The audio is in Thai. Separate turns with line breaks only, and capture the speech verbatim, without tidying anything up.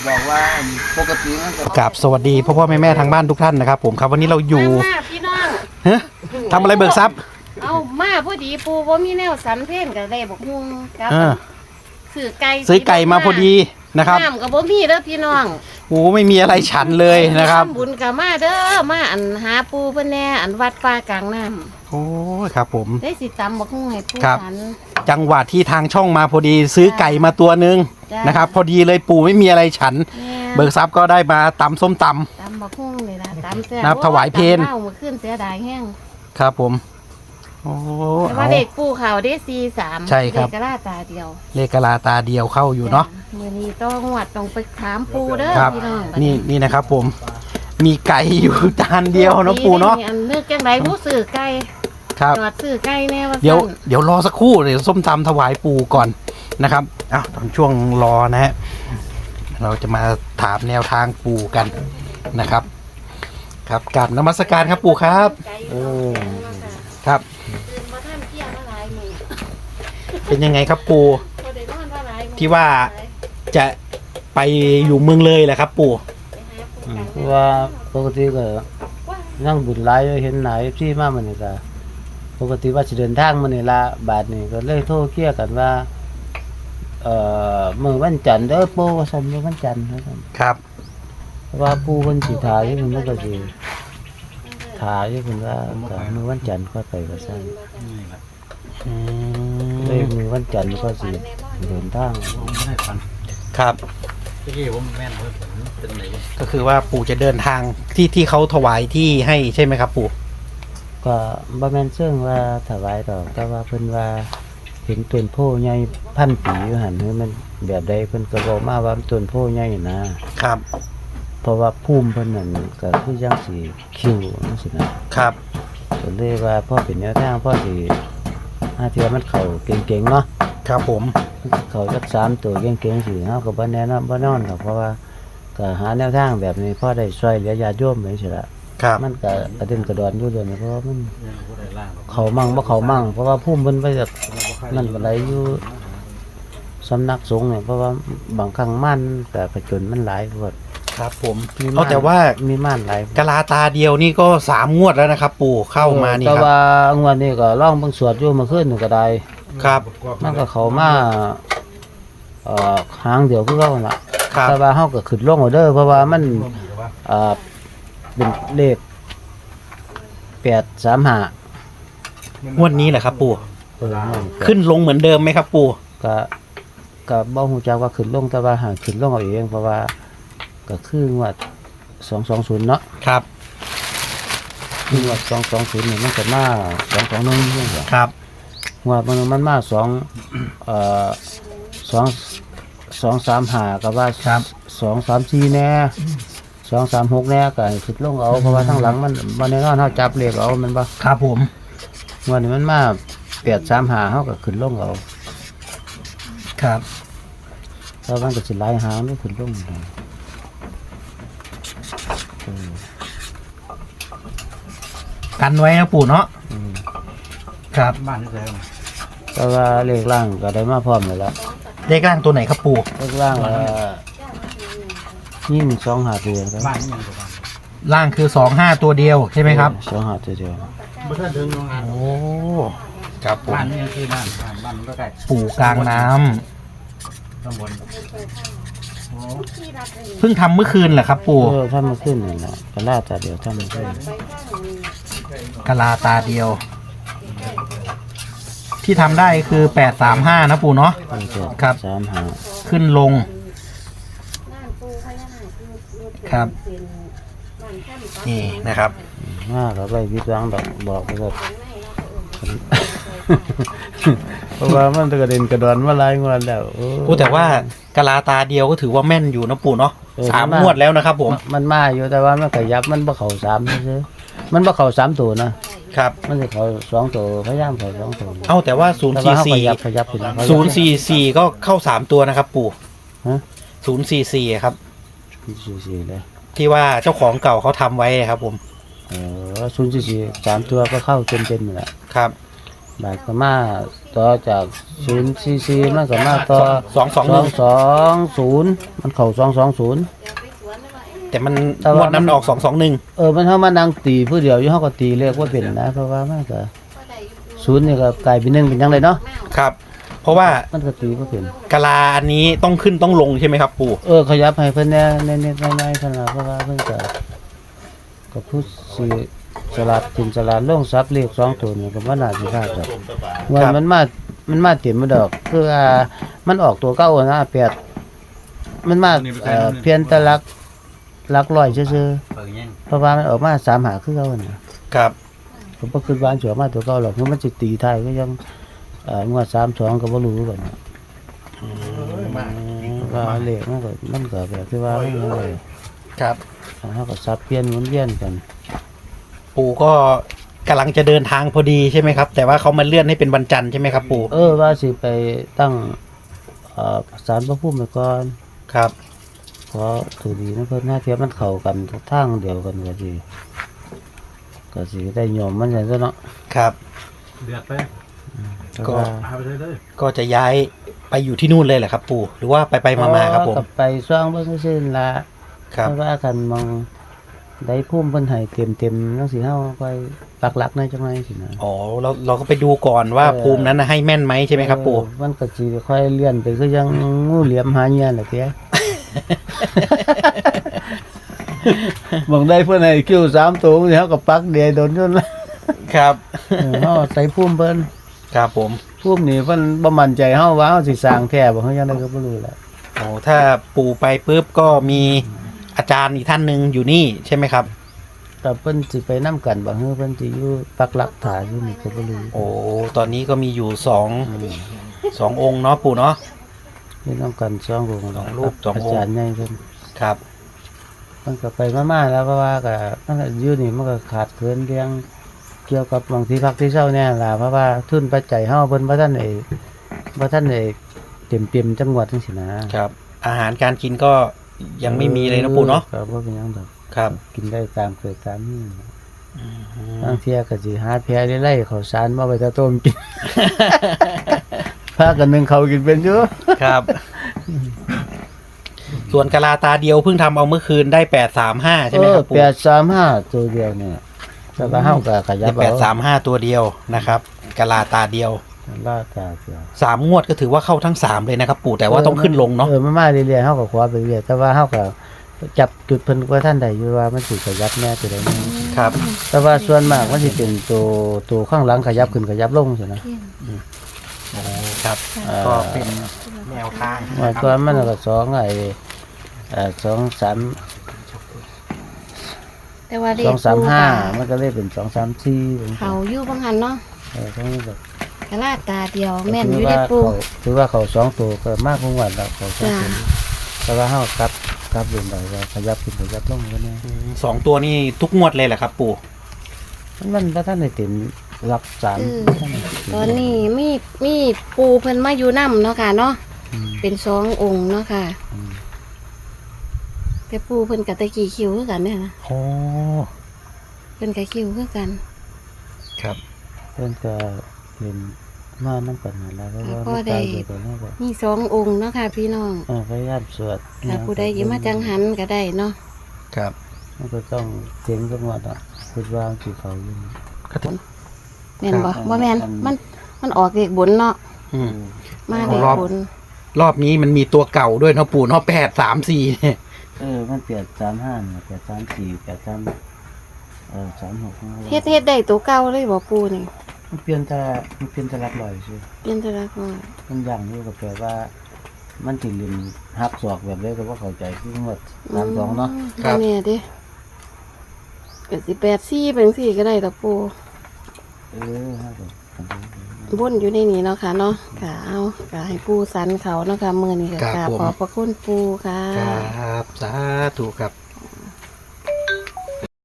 บอกว่าปกติมันก็
กับสวัสดีพ่อพ่อแม่แม่ทางบ้านทุกท่านนะครับผมครับวันนี้เราอยู่
มาพี่น้อง
ฮะทำอะไรเบิกทรัพย์
เอามาพอดีปูบ่มีแนวสันเพนกับได้บอกฮุงกับ
เออ
ซื้อไก่
ซื้อไก่มาพอดีนะครับ
น้ำกับบ่มีเด้อพี่น้อง
โอ้ไม่มีอะไรฉันเลยนะครับ
ทำบุญกับมาเด้อมาอันหาปูเพิ่นแน่อันวัดป่ากลางน้
โอ้ครับผม
ำได้สิตำบักฮุงให้ปู
ครับ
ฉัน
จังหวะที่ทางช่องมาพอดีซื้อไก่มาตัวหนึ่ง
จ้ะ
นะครับ พอดีเลยปู่ไม่มีอะไรฉัน
แม่
เบิกทรัพย์ก็ได้มาตำส้มต
ตำบักฮุงนี่ล่ะตำแซ่
นับถวายเพล
ตำเล่ามื้อคืนเสียดายแห้ง
ำครับผมโอ้
แต่ว่า
เอา
เด็กปูเขาได้สี่สาม
ใช่ครับ
เด็กกระลาตาเดียว
เลขกะลาตาเดียวเข้าอยู่เนาะ
มื้อนี้ต้องงวดต้องไปถามปูเด้อ
ครับ
พี่น้อง
นี่นี่นะครับผมมีไก่อยู่จานเดียวเนาะปู่เนาะ
อันนึกจังไดผู้ซื้อไก่
ครับ
จอดซื้อไก่แน่ว่า
เดี๋ยว
ซั่น
เดี๋ยวรอสักครู่เดี๋ยวส้มตำถวายปู่ก่อนนะครับอ้าวตอนช่วงรอนะฮะเราจะมาถามแนวทางปู่กันนะครับ ครับกราบนมัสการครับปู่ครับ
ไก่
เออ
ครับ
ตื่นมาท่านเที่ยงมาหลายมื้อ
เป็นยังไงครับปู่
บ่ได้นอนมาหลายมื้อ
ที่ว่า จะไปอยู่เมืองเลยแหละครับปู่
ไปหาปูกัน
เพราะว่าปกติก็นั่งบุญหลายเห็นหลายที่มามันนี่ก็ปกติว่าสิเดินทางมื้อนี้ละบาดนี้ก็เลยโทรเคลียร์กันว่าเอ่อมื้อวันจันทร์เด้อปู่ว่าซั่นมื้อวันจันทร์ว่าซั่น
ครับ
เพราะว่าปู่เพิ่นสิถ่ายอยู่เพิ่นก็สิถ่ายอยู่เพิ่นว่าก็มื้อวันจันทร์ค่อยไปว่าซั่น
อื
เลย
ม
มื้อวันจันทร์ก็สิเดินทาง
ครับก็คือว่าปู่จะเดินทางที่ที่เขาถวายที่ให้ใช่ไหมครับปู่
ก็บ่แม่นเชิงว่าถวายดอกแต่ว่าเพิ่นว่าเห็นต้นโพใหญ่พันปีอยู่หั่นคือมันแบบใดเพิ่นก็บอกมาว่าต้นโพใหญ่นะครับ เพราะว่าภูมิเพิ่นนั่นก็คือจังสิคิวจังซี่นะครับ ก็เลยว่าพอเป็นแนวทางพอสิหาเทื่อมันเข้าเก่งๆเนาะ
ครับผม
เข้าจักสามตัวเก่งๆสิเฮาก็บ่แน่นอนบ่นอนดอกเพราะว่าก็หาแนวทางแบบนี้พอได้ช่วยเหลือญาติโยมจังซี่ล่ะ
ครับ
มันก็กระเด็นกระดอนอยู่เดี๋ยวนี้เพราะว่ามันเขามั่งบ่เขามั่งเพราะว่าพุ่มเพิ่นไปจากนั่นบ่ไหลอยู่สำนักสงฆ์เนี่ยเพราะว่าบางครั้งม่านก็กระจนมันหลายพวด
ครับผม
มี
เอาแต่ว่า
มีม่านหลาย
กะลาตาเดียวนี่ก็สามงวดแล้วนะครับ ปู่เข้ามานี่
แต่
ครับ
ว่างวดนี้ก็ร้องเบิ่งสวดอยู่เมื่อคืนนี่ก็ได้
ครับ
มันก็เข้ามาเอ่อหางเดียวคือเก่านั่นล่ะ
ครับ
แต่ว่าเฮาก็ขึ้นลงเอาเด้อเพราะว่ามันเอ่อเป็นเลขแปดสามห้าง
วดนี้แหละครับ ปู่
เออนั่น
ขึ้นลงเหมือนเดิมไหมครับ ปู่
ก็ก็บ่ฮู้จักว่าขึ้นลงแต่ว่าหาขึ้นลงเอาเองเพราะว่าก็คืองวดสองสองศูนย์เนาะ
ครับ
คืองวดสองสองศูนย์นี่มันก็มาสองสองหนึ่งจังซี่
ครับ
งวดมันมันมาสองเอ่อสองสองสามห้าก็ว่า
ครับ
สองสามสี่แน่สองสามหกแน่ก็ให้ขึ้นลงเอาเพราะว่าทั้งหลังมันบ่แน่นอนเฮาจับเลขเอามันบ่
ครับผม
งวดนี้มันมาแปดสามห้าเฮาก็ขึ้นลงเอา
ครับ
เพราะมันก็สิหลายหางนี่ขึ้นลงได้เออ
กันไว้นะปู่เนาะ
อืม
ครับ
แต่ว่าเลขล่างก็ได้มาพร้อมแล้วล่ะ
เลขล่างตัวไหนครับปู่
เลขล่างเอ่อยิ่งสองหาเดียวครับ
ล่างคือสองห้าตัวเดียวใช่ไหมครับ
สองหาเดียว
โอ้ครับผม
บ้านนี่คือบ้านบ้านบ้านมันก็ใกล้
ปู่กลางน้ำ
ข้างบน
เพิ่งทำเมื่อคืนแหละครับ ปู่
เออถ้ามันขึ้นนี่นะก็ล่าแต่เดียวถ้ามันขึ้น
กะลาตาเดียว ที่ทำได้คือแปดสามห้านะปู่เนาะ
มันจะ
ครับ
สามหา
ขึ้นลง
บ้านปูพญานาคคือ
ครับ
เป็นบ้านท่าน
นี่นะครับ
มากก็ไปวิจารณ์แบบบอกไปก็เพราะว่ามันกระเด็นกระดอนมาหลายงวดแล้วโอ้
พูดแต่ว่ากะลาตาเดียวก็ถือว่าแม่นอยู่นะปู่เนาะ
เออ
สาม
มันมาง
งวดแล้วนะครับผม
มันมาอยู่แต่ว่ามันขยับมันบ่เข้าสามซื่อๆมันบ่เข้าสามตัวนะครับ มันจะเข้าสองตัวพยายามเข้าสองตัว
เอาแต่ว่าศูนย์
แต่
สี่
ว่าเขาข
สี่
ยับขยับไปแล้ว
ศูนย์สี่สี่ก็เข้าสามตัวนะครับ ปู่
ฮะ
ศูนย์สี่สี่ครับ
สี่สี่เลย
ที่ว่าเจ้าของเก่าเขาทำไว้ครับผม
เออศูนย์สี่สี่สามตัวก็เข้าเต็มเต็มๆนี่แหละ
ครับ
บาทก็มาต่อจากศูนย์ซีซีมันก็มาต่อ
สองสองหนึ่ง
สองศูนย์มันเข้าสองสองศูนย์
แต่มัน
แต่
ง
ว่า
วดนั้นออกสองสองหนึ่ง
เออมันเฮามานั่งตีผู้เดียวอยู่เฮาก็ตีเลขว่าเป็นนะเพราะว่ามันก็ศูนย์นี่ก็กลายเป็นหนึ่งเป็นจังไดเนาะ
ครับ เพราะว่า
มันก็ตีบ่เป็น
กะลาอันนี้ต้องขึ้นต้องลงใช่ไหมครับปู่
เออขยับให้เพิ่นแหน่เน็ตๆน้อยๆซั่นล่ะเพราะว่าเพิ่นก็ก็พูดสิสลัดกินสลัดลงซับเลขสองตัวนี่ก็บ่น่าสิพลาดดอกว่ามันมามันมาเต็มมาดอกคืออ่ามันออกตัวเก่าอะนะแปดมันมาเอ่อเพียงแต่หลักหลักร้อยซื่อ
เปิดยัง
ๆเพราะว่ามันออกมาสามหาคือเก่าน่ะ
ครับ
ผมบ่คิดว่ามันสิออกมาตัวเก่าหรอกเพราะมันสิตีท้ายก็ยังเอ่องวดสามสองก็บ่รู้กันนะว่าเลขมันก็มันก็แบบที่ว่ามันเลย
ครับ
เฮาก็สับเปลี่ยนหมุนเวียนกัน
ปู่ก็กำลังจะเดินทางพอดีใช่ไหมครับ แต่ว่าเขามาเลื่อนให้เป็นวันจันทร์ใช่ไหมครับปู่
เออว่าสิไปตั้งเอ่อศาลพระภูมิไว้ก่อน
ครับ
ขอถือดีนะเพิ่นหน้าเทียบมันเข้ากันทางเดียวกันก็สิก็สิได้ยอมมันจังซั่นเนาะ
ครับ
เดือดไป
แต่
ก็
ว่า
พาไปเลยเลย
ก็จะย้ายไปอยู่ที่นู่นเลยแหละครับ ปู่หรือว่าไปไปมามาครับผม
ก็ไปซ่องเบิ่งซื่อๆล่ะ
ครับ
เพราะว่ากันมองได้ภูมิเพิ่นให้เต็มๆจังซี่เฮาไปปักหลักในจังไดสินะ
อ๋อเราเราก็ไปดูก่อนว่า
เออ
ภูมินั้นน่ะให้แม่นไหมใช่ไหมครับปู่
เออมันก็สิค่อยเลื่อนไปคือยังงูเหลี่ยมหาเหยื่อน่ะเตี้ย มองได้เพิ่นให้คิวสามตัวสิเฮาก็ปักเดียวโดนจนละ
ครับ
เออเฮาใส่ภูมิเพิ่น
ครับผม
ภูมินี่เพิ่นบ่มั่นใจเฮาว่าเฮาสิสร้างแท้บ่เฮายังไดก็บ่รู้แหละ
โอ้ถ้าปู่ไปปุ๊บก็มีอาจารย์อีกท่านหนึ่งอยู่นี่ใช่ไหมครับ
แต่เพิ่นสิไปนํกันบ่ฮือเพิ่นสิอยู่ปักหลักฐานอยู่นี่ก็บ่รู้
โอ้ตอนนี้ก็มีอยู่สองสององค์เนาะปู่เนาะ
มีนํกันสององค์
สองรูปสององค์
อาจารย์ใหญ่เพิ่น
ครับ
มันก็ไปมาๆแล้วเพราะว่าก็มันก็อยู่นี่มันก็ขาดเกินเรื่องเกี่ยวกับบางที่พักที่เช่าเนี่ยล่ะเพราะว่าทุนปัจจัยเฮาเพิ่นบ่ทันได้บ่ทันได้เต็มๆจังหวัดจังซี่นะครับ
อาหารการกินก็ยังไม่มีเลยนะปู่เนาะ
ก็บ่เป็นหยังดอก
ครับ
กินได้ตามเกิดตามนี่บางเที่ยก็สิหาแพรไล่ๆข้าวสารมาไว้ตะต้มกิน พากันนึงเขาวกินเป็นอยู่
ครับ ส่วนกะลาตาเดียวเพิ่งทำเอาเมื่อคืนได้แปดสามห้าใช่ไหมครับปู่
แปดสามห้าตัวเดียวเนี่ยแต่ว่าเฮาก็ขยั
ได้
บ
แป
เอา
ดสามห้าตัวเดียวนะครับกะลาตาเดียว
ลาตาเดียว
สามงวดก็ถือว่าเข้าทั้งสามเลยนะครับ ปู่แต่ว่าต้องขึ้นลงเนาะ
เออมันมาเรื่อยๆเฮาก็ขวาไปเรื่อยแต่ว่าเฮาก็จับจุดเพิ่นว่าท่านใดอยู่ว่ามันสิขยับแน่ตัวใดแน่
ครับ
แต่ว่าส่วนมากมันสิเป็นตัวตัวข้างหลังขยับขึ้นขยับลงซั่นนะ
โอ้ครับ
เอ่อ
ก็เป็นแนวทาง
ว่าก่อนมันก็สองไอ้เอ่อสองสาม
แต่ว่าเล
ส
ข
องสามห้า
ปู
มันก็เลยเป็นสองสามสี่เป็น
เขาอยู่บางหันเนาะ
เออทั้งนี้แบบ
กะลาตาเดียวแม่นอ
ถื
ยู่
ว่า
ได้ปู
เขาถือว่าเขาสองตัวก็มากกว่าวันแล้วเขาสอง
จ้า
ตัวแต่ว่าเฮากลับกลับลงไปว่าขยับขึ้นขยับลงก็แน่
อืมสองตัวนี่ทุกงวดเลยแหละครับ ปู่
มันมันบ่ทันได้เต็มหลักสาม
เออ
บ่ทันได้เต็ม
ตอนนี้มีมีปูเพิ่นมาอยู่นํเนาะค่ะเนาะ
อืม
เป็นสององค์เนาะค่ะ
อืม
แต่ปูเพิ่นกับตะกี้คิวคือกันเนี่ยนะ
โอ้
เพิ่นกับคิวคือกัน
ครับ
เพิ่นก็เป็นมานำกันนั่นล่ะเพราะว่ามันตายอยู่ตัวนี้ก็
มีสององค์เนาะค่ะพี่น้อง
เออพยายามสวด
ถ้าผู้ใดอยิมาจังหันก็ได้เนาะ
ครับ
มันก็ต้องเจ๋งจังหวัดอ่ะคิดว่าสิเขาอยู่
ก็ถึง
แม่นบ่
ครับ
บ่แม่นมันมันออกเลขบนเนาะ
อืม
มาเลข
รอบ
บน
รอบนี้มันมีตัวเก่าด้วยเนาะปู่เนาะแปดสามสี่เนี่ย
เออมันเปลี่ยนสามห้าเนี่ยเปลี่ยนสามสี่เปลี่ยนสามเออสามหก
เฮ็ดเฮ็ดได้ตัวเก่าเลยบ่ปูนี่
มันเปลี่ยนแต่มันเปลี่ยนแต่หลักลอยสิ
เปลี่ยนแตละก่อน
มันอย่างนี้ก็แปลว่า มันสิลินหักศอกแบบนี้ก็บ่เข้าใจคือหมดสามสองเนาะ
บ่แน่เด้ก็สิแปดสี่เป็นสี่ก็ได้ดอกปู
เออฮะก็
บนอยู่ในนี้เนาะค่ะเนาะค่ะเอาก็ให้ปูสันเขาเนาะค่ะมื้อนี้ก็
ครับ
กราบ
ผม
ขอบพระคุณปูค่ะ
ครับสาธุครับ